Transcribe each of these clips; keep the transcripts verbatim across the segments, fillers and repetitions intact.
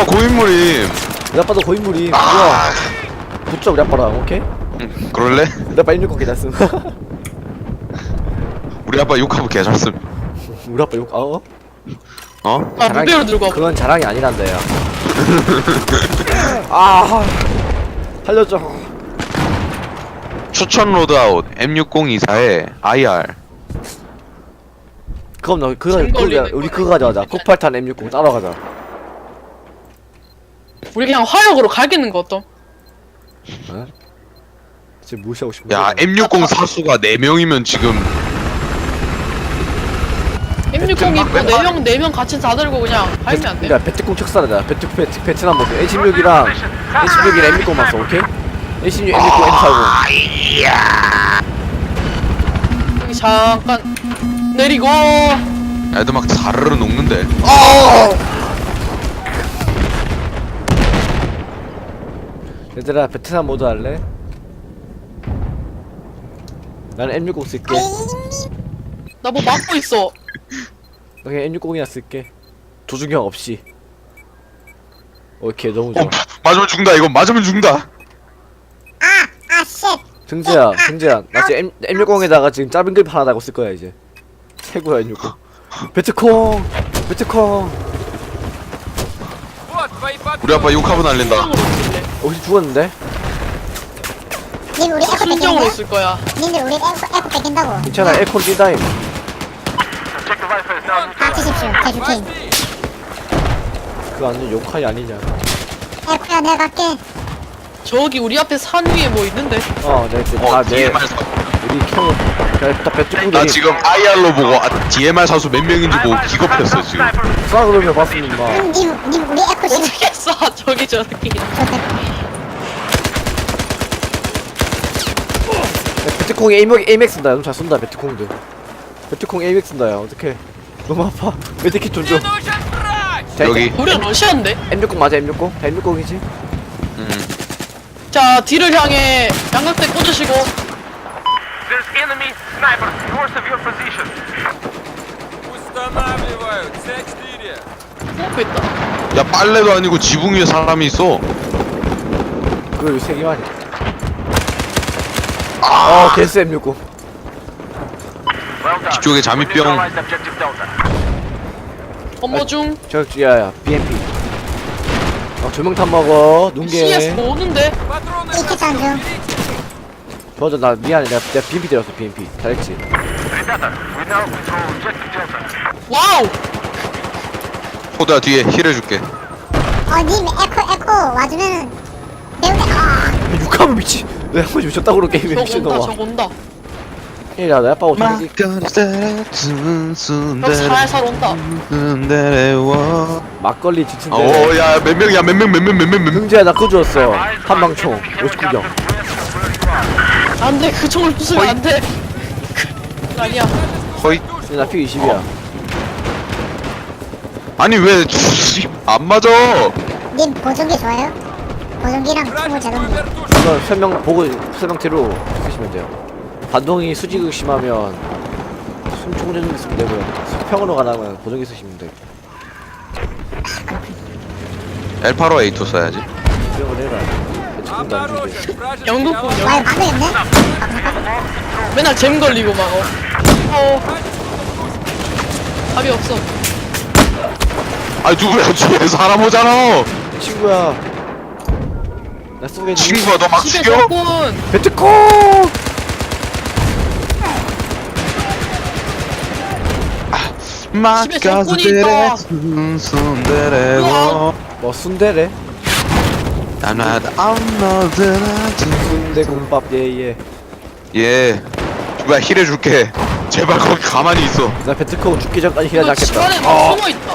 아빠 고인물임. 우리 아빠도 고인물이. 아, 뭐야? 붙자 우리 아빠랑 오케이? 응, 그럴래? 우리 아빠 일육공 개잘씀. 우리 아빠 욕하면 개잘씀. 우리 아빠 욕. 어? 어? 아 무대로 들고 와. 그건 자랑이 아니란다 야. 아 살려줘. 추천 로드아웃 엠 육공이사에 아이알. 그럼 너 그거 잼 그거 걸리는 우리 거네. 그거 가져가자. 코팔탄 엠 육공 따라가자. 우리 그냥 화력으로 갈기는 거 어떤? 지금 무시하고 싶은 야, 엠 육공 사수가 네 명이면 지금 엠 육공이 네명 네 명 같이 다 들고 그냥 할면 안 돼? 그러니까 베트콩 척사라자. 베트 베트 베트남 모드. 에이 십육이랑 에이 십육이랑 엠 육공만 써. 오케이? 에이 십육, 엠 육공, 엠 사십. 여기 잠깐 내리고. 애들 막 사르르 녹는데. 얘들아 베트남 모드 할래? 나는 엠 육공 쓸게. 나 뭐 막고 있어. 나 그냥 엠 육공이나 쓸게. 조준경 없이. 오케이 너무 좋아. 어, 맞으면 죽는다. 이거 맞으면 죽는다. 아, 쉣. 승재야, 승재야. 나 지금 M, 엠 육공에다가 지금 짧은 그립 하나 달고 쓸 거야 이제. 최고야 엠 육공. 베트콩, 베트콩. 우리 아빠 욕하고 날린다. 순정으로 쓸래. 혹시 죽었는데? 님 우리 에코 순정으로 뺏긴데? 쓸 거야. 님들 우리 에코, 에코 뺏긴다고. 괜찮아, 에콘 띠다임. 닥치십시오, 개주킹. 그거 완전 욕하이 아니냐? 에코야, 내가 갈게. 저기 우리 앞에 산 위에 뭐 있는데? 어, 내, 내, 어, 아, 내, 디엠알 사. 우리 켜, 다 베트콩 나 지금 아이알로 보고 아, 디엠알 사수 몇 명인지 보고 기겁했어 지금. 쏴 그러면 봤습니다. 님, 님, 님 우리 에코 심. 어떻게 쏴 저기 저기. 베트콩이 에이맥, 에이맥 쓴다. 너무 잘 쏜다, 베트콩도. 베트콩 에이맥 쓴다, 야. 어떡해. 너무 아파. 메디킷 좀 줘. 자, 여기. 우리가 러시아인데? 엠 육공 맞아, 엠 육공? 다 엠 육공이지? 음. 자 뒤를 향해 양각대 꽂으시고. There's enemy sniper north of your position. Устанавливаю цэ четыре. pom프 있다. 야, 빨래도 아니고 지붕 위에 사람이 있어. 그거 여기 세 개만이. 어, 개스 엠 육공. Well done. 뒤쪽에 잠입병. Neutralized objective Delta. 업무 중. 저, 야야, 비엠피. 어, 조명탄 먹어. 씨에스 눈개. 뭐 오는데? 이키 장중. 맞아, 나 미안해. 내가, 내가 비엠피 때렸어, 비엠피. 잘했지. Ребята, we now control objective Delta. 와우. 호다 뒤에 힐 해줄게. 어, 님 에코, 에코 와주면은 배우네. 아, 육하면 미치. 내가 한번 미쳤다고 그러 게임에 저거 온다 미친놈아. 저거 온다. 야, 내 아빠 어떻게. 저 살살 온다. 막걸리 지친데. 어, 야, 몇 명이야, 몇 명, 몇 명, 몇 명, 몇 명. 흥재야, 나 그거 주웠어. 한방총. 오십구 경. 안돼 그 총을 부수면 안돼. 아니야. 거의. 나 피 이십이야. 아니 왜 안 맞아? 님 보정기 좋아요? 보정기랑 총을 제동. 이거 설명 보고 설명대로 쓰시면 돼요. 반동이 수직이 심하면 숨총 제동 쓰면 되고요. 수평으로 가다면 보정기 쓰시면 돼요. 엘파로 에이투 써야지. 수평을 해라. 조금도 안 주는데. 영국군 와, 영국. 이거 막으겠네? 맨날 잼 걸리고 막 어. 어. 답이 없어. 아 누구야 뒤에 사람 오잖아. 친구야. 나 쏘겠니? 친구야 너 막 집에 죽여? 적군. 배트콩! 집에 적군이 있다. 순순대래고 뭐 순대래? 순대국밥 예예. 예 누가 힐 해줄게. 제발 거기 가만히 있어. 나 배트콩 죽기 전까지 이거 힐하지 집안에 않겠다. 막 숨어 있다.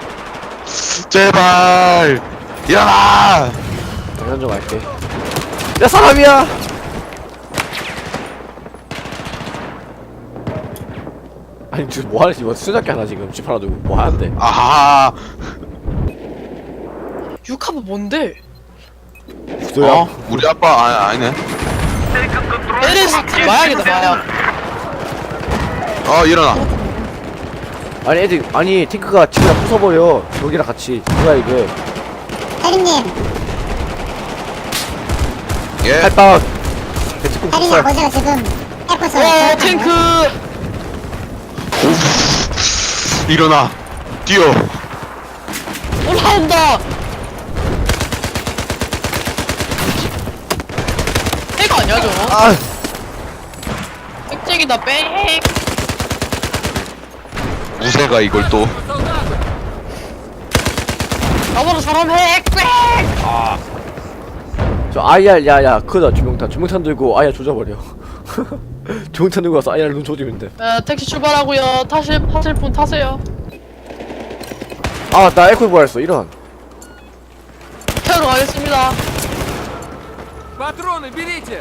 제발 일어나. 장난 좀 할게. 야 사람이야! 아니 지금 뭐하지? 뭐 수작기 하나 지금 집 하나 두고 뭐 하는데? 아하. 육하브 뭔데? 어? 우리 아빠 아, 아니네. Taken control. 에레스 마약이다 마약. 어 일어나. 아니 애들 아니 탱크가 집이랑 부숴버려. 저기랑 같이 뭐야 이게? 혜림님, 예. 팔빵 배치콩 혜림이 쳤어요. 아버지가 지금 에코서 와 탱크. 일어나. 뛰어. 올라온다. 핵 아니야 저거? 아 핵쟁이다 뺑. 무쇠가 이걸 또. 나보다 사람 핵 뺑. 저 아이알 야야 크다 주명탄 주명탄 들고 아이알 조져버려. 주명탄 들고 가서 아이알 눈 조지면 돼. 에, 택시 출발하고요. 타실 타실 분 타세요. 아 나 에코 부활했어 이런. 태우러 가겠습니다. Патроны берите!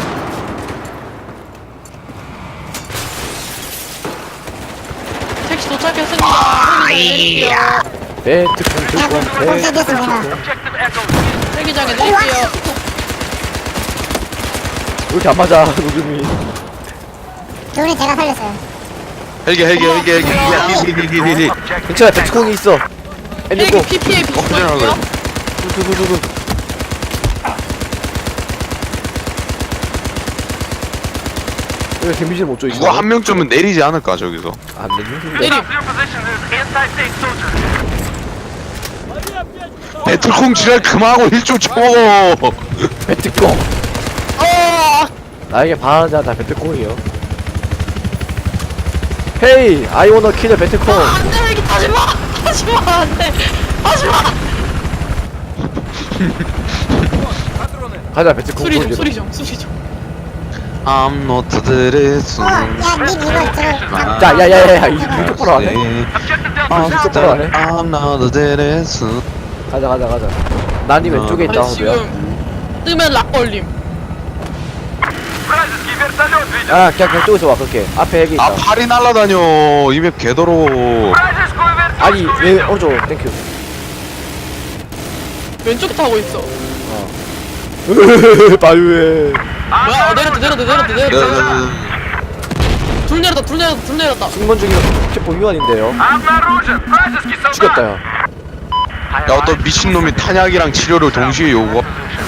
택시 도착했습니다. 헬기장에 내릴게요. 배트콩 들고 온 야, 배트콩. Objective Echo. 헬기장에 내릴게요. 왜 이렇게 안 맞아 노즘이. 둘이 제가 살렸어요. 헬기 헬기 헬기 헬기 헬기 헬기 헬기. 괜찮아 배트콩이 있어. 헬기 엔드고 피피에 엎드려라 그래. 비슷하고요. 두두두두. 왜 데미지를 못 줘 이거? 누가 한 명쯤은 내리지 않을까 저기서. 안 되는데. 내림. Your position is anti-tank soldiers. 배틀콩 지랄 그만하고 일좀 쳐먹어. 배트콩. 어. 나에게 반하자 나 배트콩이요. 헤이 I wanna kill the 배트콩. 안돼 헬기 타지 마. 타지 마 안돼. 타지 마. 가자 배트콩. 수리 좀 보여주라. 수리 좀 수리 좀. I'm not the 어, 야, 님 이거 들어. 자 야야야야 이거 똑바로 안 해? Objective Delta I'm is 똑바로 안 해? I'm not the 가자 가자 가자. 난이 왼쪽에 있다 아니 호두야. 지금 뜨면 락 걸림. Вражеский вертолет видел. 아 그냥 그냥 쪽에서 와 그렇게 앞에 핵이 있다. 아 팔이 날라다녀. 이맵 개더러워. Вражескую вертолет 아니 왜 오른쪽 땡큐. 왼쪽 타고 있어. 바유에. 뭐야? 어, 내렸다 내렸다 내렸다 내렸다. 야, 둘 내렸다 둘 내렸다 둘 내렸다. 승무원 중에 체포 위반인데요. Обнаружен! Вражеский солдат! 죽였다 야. 야 어떤 미친놈이 탄약이랑 치료를 동시에 요구.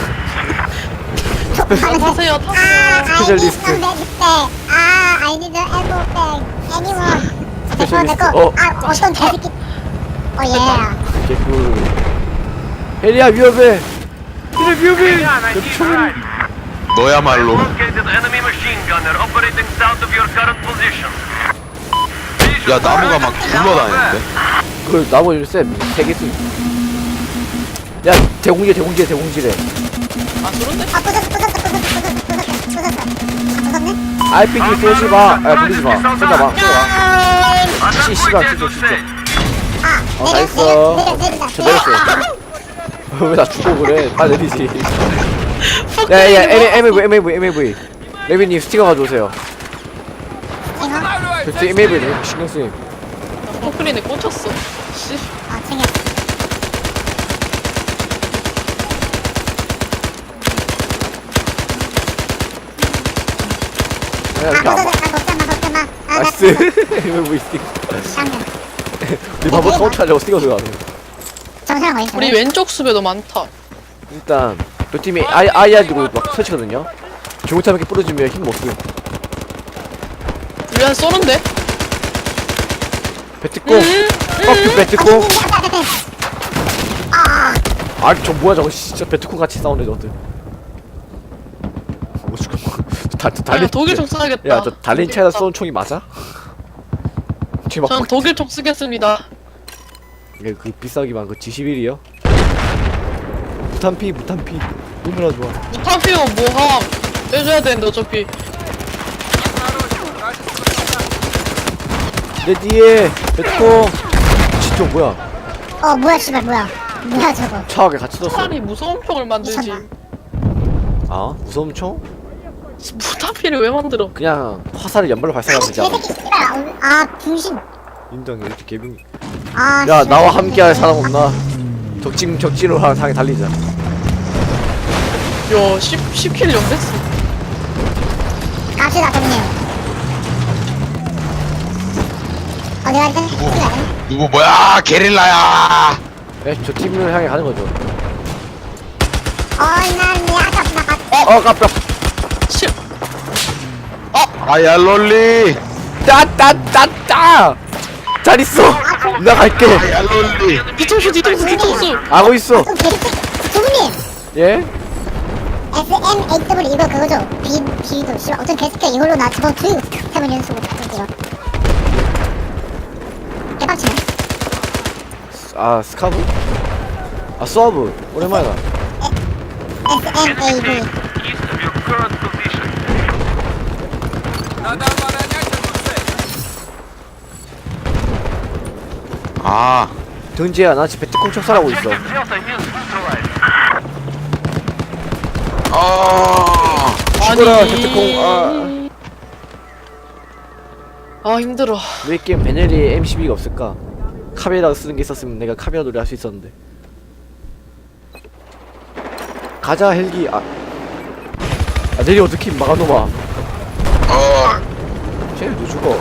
아, 타세요 타세요. 아, I need 스페셜리스트. some backpack. 아, I need an ammo bag. Anyone? 내꺼, 스페셜리스트. 내꺼. 어. 아, 어떤 개새끼. 어, 예. 개꿀. 헬리야 위험해. 헬리 위험해. Меня найти 총. 너야말로. Located enemy machine gunner operating south of your current position. 야 나무가 막 굴러다니는데. 그 나머지 쌤세 개씩. 야 대공질 대공질 대공질해. 아 그런데? 아, 부쉈어, 부쉈어, 부쉈어, 부쉈어, 부쉈어, 부쉈어. 아, 부쉈네? 알피지 쏘지 마. 아 돌리지 마. 쏘자 마. 야! 씨 씨발 진짜 진짜. 아, 어, 내려, 잘했어. 내려, 내려, 내리자. 저 내렸어요. 왜 나 죽고 그래? 빨리 내리지. 퍽 야야 때리지 마. 엠에이브이 엠에이브이 엠에이브이. 레비님 스티커 가져오세요. 이거? 저 엠에이브이 신경 쓰임. 포크린에 꽂혔어. 씨. 아, 챙겨. 야 아, 이렇게 안 봐. 부쉈어, 아, 걱정 마, 걱정 마. 아, 나 나이스. 엠에이브이 스티커. 잠깐. 우리 바보 카운트하려고 스티커 들어가네. 정신을 걸린 우리 왼쪽 숲에도 많다. 일단 그 팀이 아이 아이알 들고 막 설치거든요. 중국차 이렇게 부러지면 힘 못 쓰. 우리 한 쏘는데? 배트콩. 뻑큐 배트콩. 아, 아저 뭐야 저거 진짜 배트콩 같이 싸우네 저들. 뭐 죽어. 다 아, 달린. 독일총 써야겠다. 야저 달린 차에다 쏘는 총이 맞아? 지금 막 전 독일총 쓰겠습니다. 이게 그 비싸기만 그 지 십일이요? 무탄피 무탄피 너무나 좋아. 무타피오 뭐함 빼줘야 되는데 어차피. 내 뒤에 배트콩. 진짜 뭐야? 어, 뭐야, 씨발, 뭐야. 뭐야, 저거. 차하게 같이 넣었어. 차라리 무서운 총을 만들지. 미쳤나? 아 무서운 총? 무타피를 왜 만들어? 그냥 화살을 연발로 발사하면 아니, 되지 않아? 개새끼, 씨발. 아, 중심. 인정 이렇게 개빙. 아, 야 씨발. 나와 함께할 사람 없나? 적진 적진으로 하- 향해 달리자. 야, 십, 십 킬 연됐어. 갑시다, 형님. 어디 갈까? 누구 누구 뭐야 게릴라야. 네, 저 팀을 향해 가는 거죠. 어난 아까 나갔 어 깜짝 실 아야 롤리. 따따따따 잘 있어 나 갈게 아야 롤리. 뒤통수 뒤통수 뒤통수 하고 있어 좀 계속 주부님 예? 에스 엠 에이 더블유 이거 그거죠? 비, 비도 씨발 어떤 개새끼 이걸로 나 저번 두이고 세번 연속으로 이거 개빡치네 아 스카브? 아 서브 오랜만이다 에스 엠 에이 비 East of your current position. 아 등지야 나 지금 배트콩 척살하고 있어 Objective Delta is neutralized. 아. 죽어라 배트콩 아 아 힘들어. 왜 게임 베넬이 엠 십이가 없을까? 카메라 쓰는 게 있었으면 내가 카메라 놀이 할 수 있었는데 가자 헬기 아, 아 내리 어떻게 막아놓아 어. 쟤도 죽어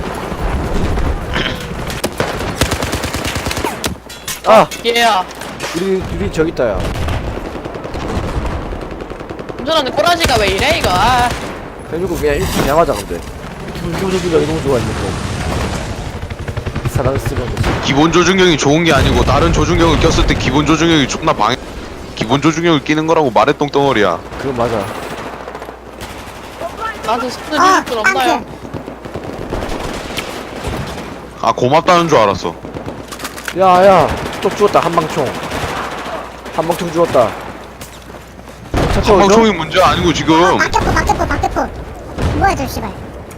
아! 얘야. 우리 우리 저기 있다 야 운전하는 꼬라지가 왜 이래 이거. 아. 그래가지고 그냥 일찍 양하자 근데 기분 기분 좋기가 너무 좋아 있는 거 사랑을 쓰면 되지 기본 조준경이 좋은 게 아니고 다른 조준경을 꼈을 때 기본 조준경이 존나 방해. 기본 조준경을 끼는 거라고 말해 똥덩어리야. 그건 맞아 나한테 스푼을 아 해줄 줄 없나요? 깡패 아 고맙다는 줄 알았어. 야야 또 죽었다 한방총 한방총 죽었다 차 태워줘? 한방총이 문제 아니고 지금. 어 박격포 박격포 박격포 뭐야 저 씨발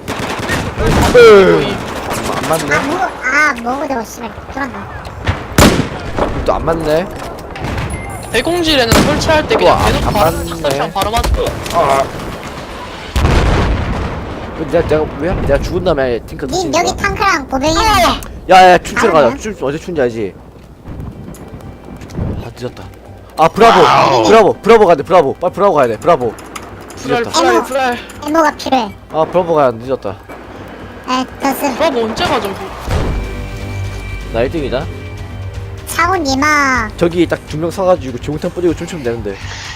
으, 안 아 맞네 뭐고 아 뭐고 저거 씨발 돌아가 또 안 맞네 대공질에는 설치할 때 우와, 그냥 대놓고 안 바로 맞네. 설치하면 바로 맞. 아 그 내가 내가 왜 내가 죽은 다음에 탱크 님 터치는 여기 거야? 탕크랑 고병이랑 야야 춤추러 가자 알았네. 춤 어제 춘지 알지? 아 늦었다 아 브라보 와우. 브라보 브라보 가야 돼 브라보 빨리 브라보 가야 돼 브라보 불알 늦었다 불알 불알. 에모가 필요해 아 브라보 가야 돼 늦었다 에 더스 브라보 언제 가죠? 나 일 등이다 차고 니마 저기 딱 두 명 서가지고 중탕 뿌리고 춤추면 되는데